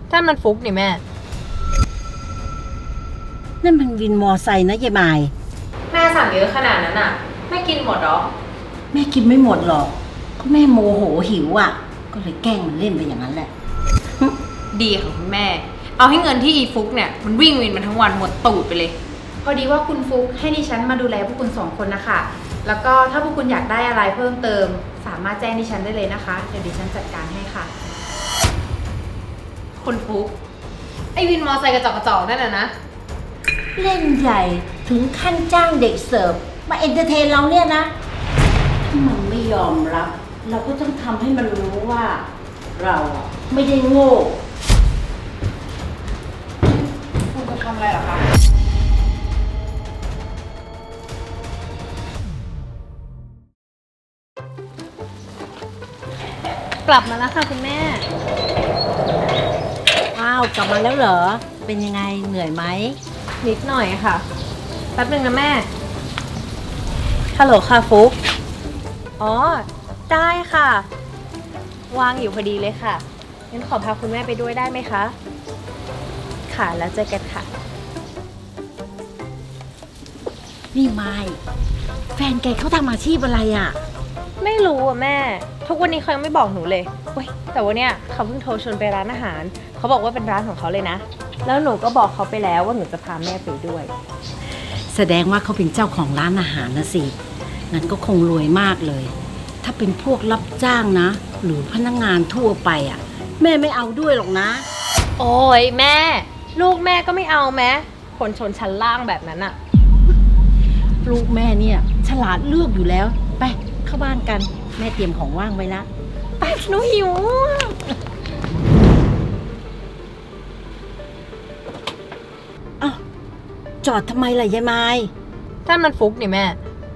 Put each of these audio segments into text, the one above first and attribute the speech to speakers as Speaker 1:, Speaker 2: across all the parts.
Speaker 1: ถ้ามันฟุกนี่แม่
Speaker 2: นั่นมันวินมอไซค์นะยายมาย
Speaker 1: แม่สั่งเยอะขนาดนั้นอ่ะแม่กินหมดหรอ
Speaker 2: แม่กินไม่หมดหรอกก็แม่โมโหหิวอ่ะก็เลยแกล้งมันเล่นไปอย่างนั้นแหละ
Speaker 1: ดีของคุณแม่เอาให้เงินที่อีฟุกเนี่ยมันวิ่งวินมันทั้งวันหมดตูดไปเลย
Speaker 3: พอดีว่าคุณฟุกให้ดิฉันมาดูแลพวกคุณ2 คนนะคะแล้วก็ถ้าพวกคุณอยากได้อะไรเพิ่มเติมสามารถแจ้งดิฉันได้เลยนะคะเดี๋ยวดิฉันจัดการให้ค่ะ
Speaker 1: คุณฟุกไอวินมอไซค์กระจอกนั่นนะ
Speaker 2: เล่นใหญ่ถึงขั้นจ้างเด็กเสิร์ฟมาเอนเตอร์เทนเราเนี่ยนะถ้ามันไม่ยอมรับเราก็ต้องทำให้มันรู้ว่าเราไม่ได้โง่
Speaker 3: คุณจะทำอะไรหรอคะ
Speaker 1: กลับมาแล้วค่ะคุณแม่
Speaker 2: อ้าวกลับมาแล้วเหรอเป็นยังไงเหนื่อยไหม
Speaker 1: นิดหน่อยค่ะแป๊บนึงนะแม่ฮัลโหลค่ะฟุกอ๋อได้ค่ะวางอยู่พอดีเลยค่ะงั้นขอพาคุณแม่ไปด้วยได้ไหมคะค่ะแล้วเจอกันค่ะ
Speaker 2: นี่ไม้แฟนแกเขาทำอาชีพอะไรอ่ะ
Speaker 1: ไม่รู้อ่ะแม่ทุกวันนี้เขายังไม่บอกหนูเลยเว้ยแต่ว่าเนี่ยเขาเพิ่งโทรชวนไปร้านอาหารเขาบอกว่าเป็นร้านของเขาเลยนะแล้วหนูก็บอกเขาไปแล้วว่าหนูจะพาแม่ไปด้วย
Speaker 2: แสดงว่าเขาเป็นเจ้าของร้านอาหารนะสิงั้นก็คงรวยมากเลยถ้าเป็นพวกรับจ้างนะหรือพนักงานทั่วไปอ่ะแม่ไม่เอาด้วยหรอกนะ
Speaker 1: โอ้ยแม่ลูกแม่ก็ไม่เอาแม้คนชนชั้นล่างแบบนั้นอะ
Speaker 2: ลูกแม่เนี่ยฉลาดเลือกอยู่แล้วไปเข้าบ้านกันแม่เตรียมของว่างไว้ละ
Speaker 1: ไปหนูหิว
Speaker 2: อ้าวจอดทำไมล่ะยายไม้
Speaker 1: ถ้ามันฟุกนี่แม่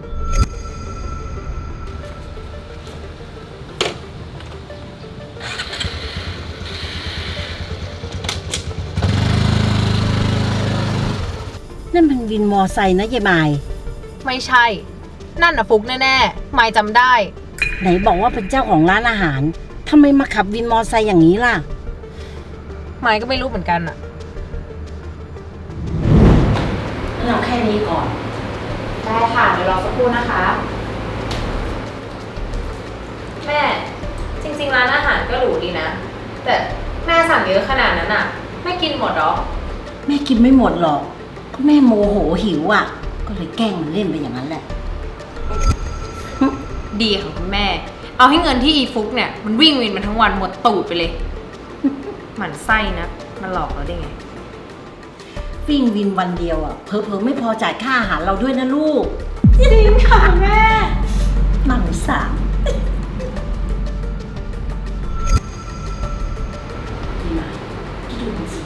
Speaker 2: นั่นมันวินมอไซค์นะยายไม้
Speaker 1: ไม่ใช่นั่นอะฟุกแน่ๆไม่จำได้
Speaker 2: ไหนบอกว่าเป็นเจ้าของร้านอาหารทำไมมาขับวินมอไซค์อย่างนี้ล่ะ
Speaker 1: ไม่ก็ไม่รู้เหมือนกันอะ
Speaker 2: เราแค่นี้ก่อน
Speaker 3: ได้ค่ะเดี๋ยวรอสักครู่นะคะ
Speaker 1: แม่จริงๆร้านอาหารก็หรูดีนะแต่แม่สั่งเยอะขนาดนั้นอะแม่กินหมดหรอ
Speaker 2: แม่กินไม่หมดหรอกก็แม่โมโหหิวอ่ะก็เลยแกล้งมันเล่นไปอย่างนั้นแหละ
Speaker 1: ดีของคุณแม่เอาให้เงินที่อีฟุกเนี่ยมันวิ่งวินมันทั้งวันหมดตูดไปเลยหมั่นไส้นะมันหลอกเราได้ไง
Speaker 2: วิ่งวินวันเดียวอ่ะเผลอๆไม่พอจ่ายค่าอาหารเราด้วยนะลูก
Speaker 1: จริงค่ะแม่
Speaker 2: มั่งสามดีไหมดูสิ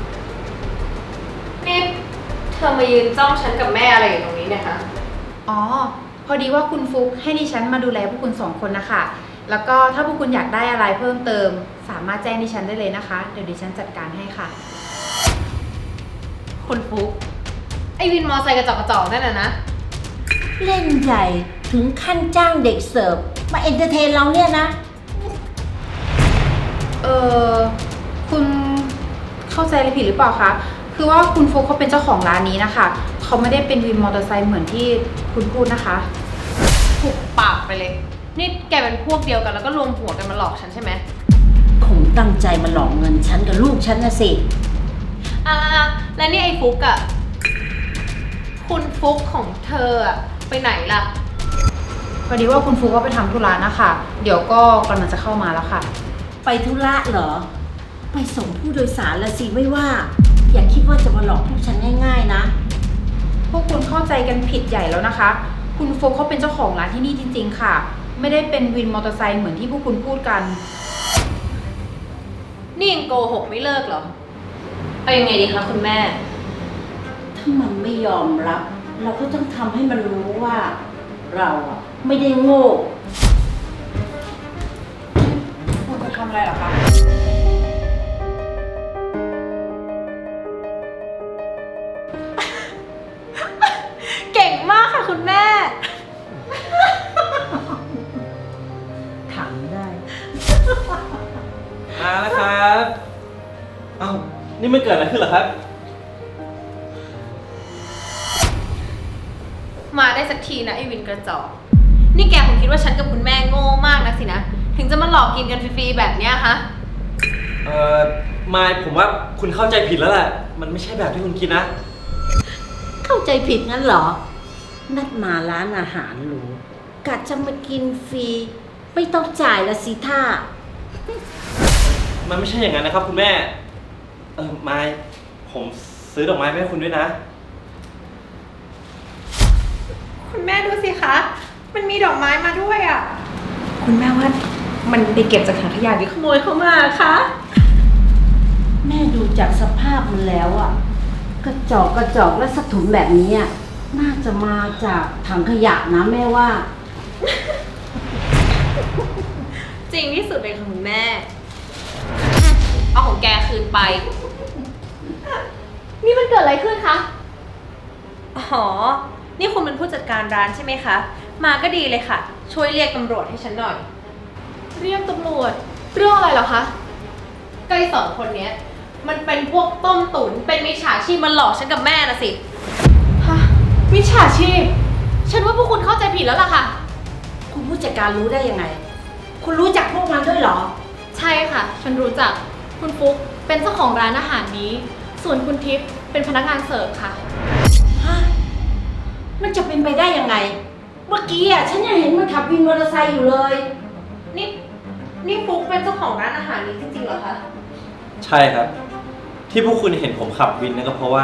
Speaker 1: นี่เธอมายืนจ้องฉันกับแม่อะไรอยู่ตรงนี้เนี่ยคะ
Speaker 3: อ๋อพอดีว่าคุณฟุกให้ดิฉันมาดูแลพวกคุณ2 คนนะคะแล้วก็ถ้าพวกคุณอยากได้อะไรเพิ่มเติมสามารถแจ้งดิฉันได้เลยนะคะเดี๋ยวดิฉันจัดการให้ค่ะ
Speaker 1: คุณฟุกไอวินมอไซค์กระจอกนั่นนะ
Speaker 2: เล่นใหญ่ถึงขั้นจ้างเด็กเสิร์ฟมาเอนเตอร์เทนเราเนี่ยนะ
Speaker 3: คุณเข้าใจอะไรผิดหรือเปล่าคะคือว่าคุณฟุกเขาเป็นเจ้าของร้านนี้นะคะเขาไม่ได้เป็นวินมอเตอร์ไซค์เหมือนที่คุณพูดนะคะ
Speaker 1: ถูกปากไปเลยนี่แกเป็นพวกเดียวกันแล้วก็รวมหัวกันมาหลอกฉันใช่ไหม
Speaker 2: คงตั้งใจมาหลอกเงินฉันกับลูกฉันนะสิ
Speaker 1: แล้วนี่ไอ้ฟุกอะคุณฟุกของเธออะไปไหนล่ะ
Speaker 3: พอดีว่าคุณฟุกก็ไปทำธุระนะคะเดี๋ยวก็กำลังจะเข้ามาแล้วค่ะ
Speaker 2: ไปธุระเหรอไปส่งผู้โดยสารละสิไม่ว่าอย่าคิดว่าจะมาหลอกพวกฉันง่ายๆนะ
Speaker 3: พวกคุณเข้าใจกันผิดใหญ่แล้วนะคะคุณฟุกเขาเป็นเจ้าของร้านที่นี่จริงๆค่ะไม่ได้เป็นวินมอเตอร์ไซค์เหมือนที่พวกคุณพูดกัน
Speaker 1: นี่ยังโกหกไม่เลิกเหรอเอายังไงดีคะคุณแม่
Speaker 2: ถ้ามันไม่ยอมรับเราก็ต้องทำให้มันรู้ว่าเราไม่ได้โง่
Speaker 3: คุณจะทำอะไรหรอคะ
Speaker 1: เก่งมากค่ะคุณแม่
Speaker 2: ถามได้
Speaker 4: มาแล้วครับเอ้านี่มันเกิดอะไรขึ้นเหรอครับ
Speaker 1: มาได้สักทีนะไอ้วินกระจอกนี่แกคงคิดว่าฉันกับคุณแม่โง่มากนะสินะ ถึงจะมาหลอกกินกันฟรีๆแบบเนี้ยฮะ
Speaker 4: มายผมว่าคุณเข้าใจผิดแล้วแหละ มันไม่ใช่แบบที่คุณคิดนะ
Speaker 2: เข้าใจผิดงั้นเหรอ นัดมาร้านอาหารหรูกะจะมากินฟรี ไม่ต้องจ่ายละสิท่า
Speaker 4: มันไม่ใช่อย่างนั้นนะครับคุณแม่ มายผมซื้อดอกไม้มาให้คุณด้วยนะ
Speaker 1: คุณแม่ดูสิคะ มันมีดอกไม้มาด้วยอ่ะ คุณแม่ว่ามันไปเก็บจากถังขยะหรือขโมยเข้ามาคะ
Speaker 2: แม่ดูจากสภาพมันแล้วอ่ะ กระจอกและสะถุนแบบนี้อ่ะน่าจะมาจากถังขยะนะแม่ว่า
Speaker 1: จริงที่สุดเลยค่ะคุณแม่ เอาของแกคืนไป
Speaker 3: นี่มันเกิดอะไรขึ้นคะ
Speaker 1: อ๋อ นี่คุณเป็นผู้จัดการร้านใช่ไหมคะ มาก็ดีเลยค่ะ ช่วยเรียกตำรวจให้ฉันหน่อย
Speaker 3: เรียกตำรวจ เรื่องอะไรเหรอคะ
Speaker 1: ก็ไอ้สองคนเนี้ย มันเป็นพวกต้มตุ๋นเป็นมิจฉาชีพมันหลอกฉันกับแม่นะสิ
Speaker 3: ฮะมิจฉาชีพ ฉันว่าพวกคุณเข้าใจผิดแล้วล่ะค่ะ
Speaker 2: คุณผู้จัดการรู้ได้ยังไง คุณรู้จักพวกมันด้วยเหรอ
Speaker 3: ใช่ค่ะ ฉันรู้จัก คุณฟุ๊กเป็นเจ้าของร้านอาหารนี้ ส่วนคุณทิพย์เป็นพนักงานเสิร์ฟค่ะ
Speaker 2: ฮะ มันจะเป็นไปได้ยังไง เมื่อกี้อ่ะฉันยังเห็นมันขับวินมอเตอร์ไซค์อยู่เลย
Speaker 1: นี่ฟุกเป็นเจ้าของร้านอาหารนี้จริงๆเหรอคะ
Speaker 4: ใช่ครับ ที่พวกคุณเห็นผมขับวินนั่นก็เพราะว่า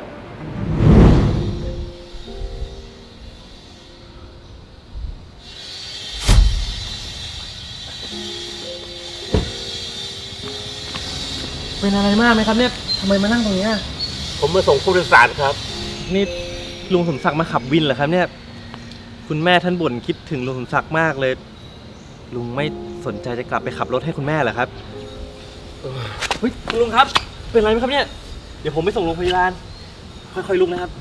Speaker 5: เป็นอะไรมากไหมครับเนี่ยทำไมมานั่งตรงนี้อะ
Speaker 6: ผมมาส่งผู้โดยสารครับ
Speaker 4: นี่ลุงสมศักดิ์มาขับวินเหรอครับเนี่ย คุณแม่ท่านบ่นคิดถึงลุงสมศักดิ์มากเลย ลุงไม่สนใจจะกลับไปขับรถให้คุณแม่เหรอครับเฮ้ยคุณลุงครับ เป็นไรไหมครับเนี่ย เดี๋ยวผมไปส่งโรงพยาบาล ค่อยๆลุกนะครับ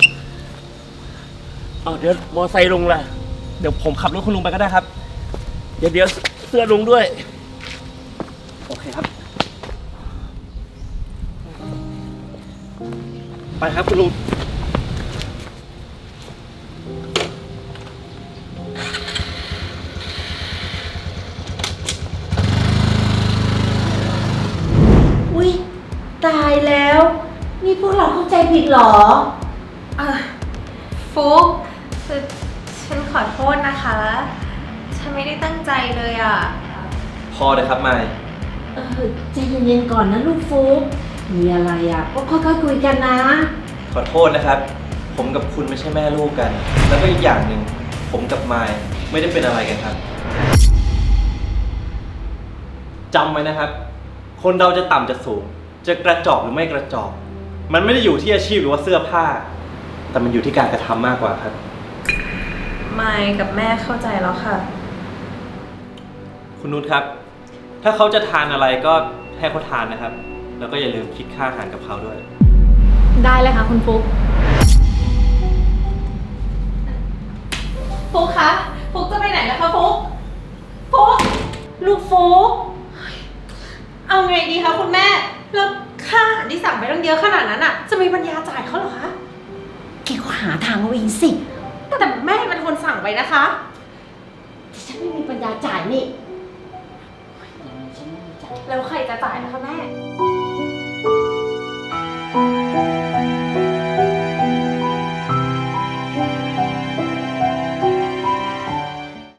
Speaker 6: เอาเดี๋ยวมอไซค์ลงละ
Speaker 4: เดี๋ยวผมขับรถคุณลุงไปก็ได้ครับ
Speaker 6: เดี๋ยวเสื้อลงด้วย
Speaker 4: โอเคครับ ไปครับคุณลุง
Speaker 2: อุ๊ย ตายแล้ว นี่พวกเราเข้าใจผิดเหรอ
Speaker 1: ฟุกคือฉันขอโทษนะคะ ฉันไม่ได้ตั้งใจเลยอ่ะ
Speaker 4: พอเลยครับมาย
Speaker 2: ใจเย็นๆก่อนนะลูกฟุ๊กมีอะไรอ่ะ ก็ค่อยๆคุยกันนะ
Speaker 4: ขอโทษนะครับ ผมกับคุณไม่ใช่แม่ลูกกัน แล้วก็อีกอย่างหนึ่งผมกับมายไม่ได้เป็นอะไรกันครับจำไว้นะครับ คนเราจะต่ำจะสูง จะกระจอกหรือไม่กระจอก มันไม่ได้อยู่ที่อาชีพหรือว่าเสื้อผ้า แต่มันอยู่ที่การกระทำมากกว่าครับ
Speaker 1: มายกับแม่เข้าใจแล้วค่ะ
Speaker 4: คุณนุชครับ ถ้าเขาจะทานอะไรก็ให้เขาทานนะครับ แล้วก็อย่าลืมคิดค่าอาหารกับเขาด้วย
Speaker 3: ได้เลยค่ะคุณฟุ๊ก
Speaker 1: ฟุกคะ ฟุกจะไปไหนนะคะฟุก ฟุก
Speaker 2: ลูกฟุ๊ก
Speaker 1: เอาไงดีคะคุณแม่ แล้วค่าอาหารที่สั่งไปตั้งเยอะขนาดนั้นอ่ะ จะมีปัญญาจ่ายเขาเหรอคะ
Speaker 2: แกก็หาทางเอาเองสิ
Speaker 1: แต่แม่เป็นคนสั่งไปนะคะ
Speaker 2: แต่ฉันไม่มีปัญญาจ่ายนี่ฉันไม่มีจ่าย
Speaker 1: แล้วใครจะจ่ายนะคะแม่